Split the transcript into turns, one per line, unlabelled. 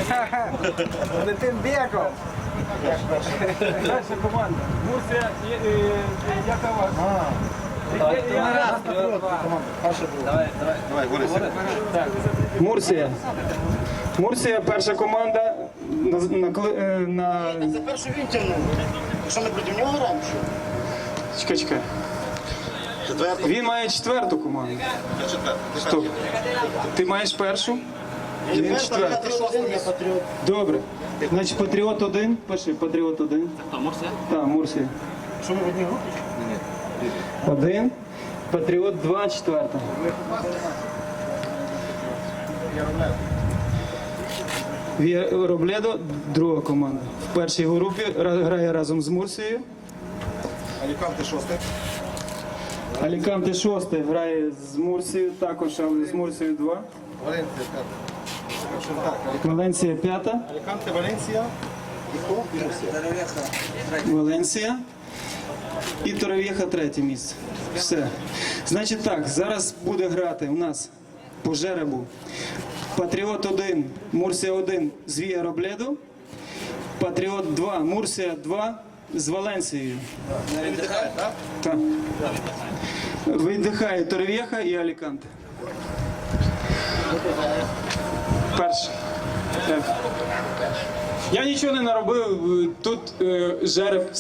Летим бігом.
Перша команда. Мурсія, яка ваша?
Давай, Борис.
Мурсія. Мурсія, перша команда.
Це перший він тягнув. Що ми проти нього граємо?
Чекай.
Четвертий.
Він має четверту команду.
Я четвертий.
Стоп. Ти маєш першу? Він четвертий.
Патріот.
Добре. Значить, Патріот 1. Пиши, Патріот 1. Це хто, Мурсія? Так, Мурсія.
Що ми в одній групі?
1. Патріот 2, четверта. Робледо, друга команда. В першій групі грає разом з Мурсією.
Аліканте шостий.
Аліканте 6 грає з Мурсією, також, але з Мурсією 2.
Валенція п'ята.
Валенсія 5.
Аліканте, Валенція. І хто? І Мурсія.
Валенсія. І Торовєха 3 місце. Все. Значить так, зараз буде грати у нас по жеребу Патріот 1, Мурсія 1 з Віа Робледо. Патріот 2, Мурсія 2 з Валенсією.
Не віддихає, так?
Так. Віддихає Торовєха і Аліканте. Перший. Так. Я нічого не наробив, тут жереб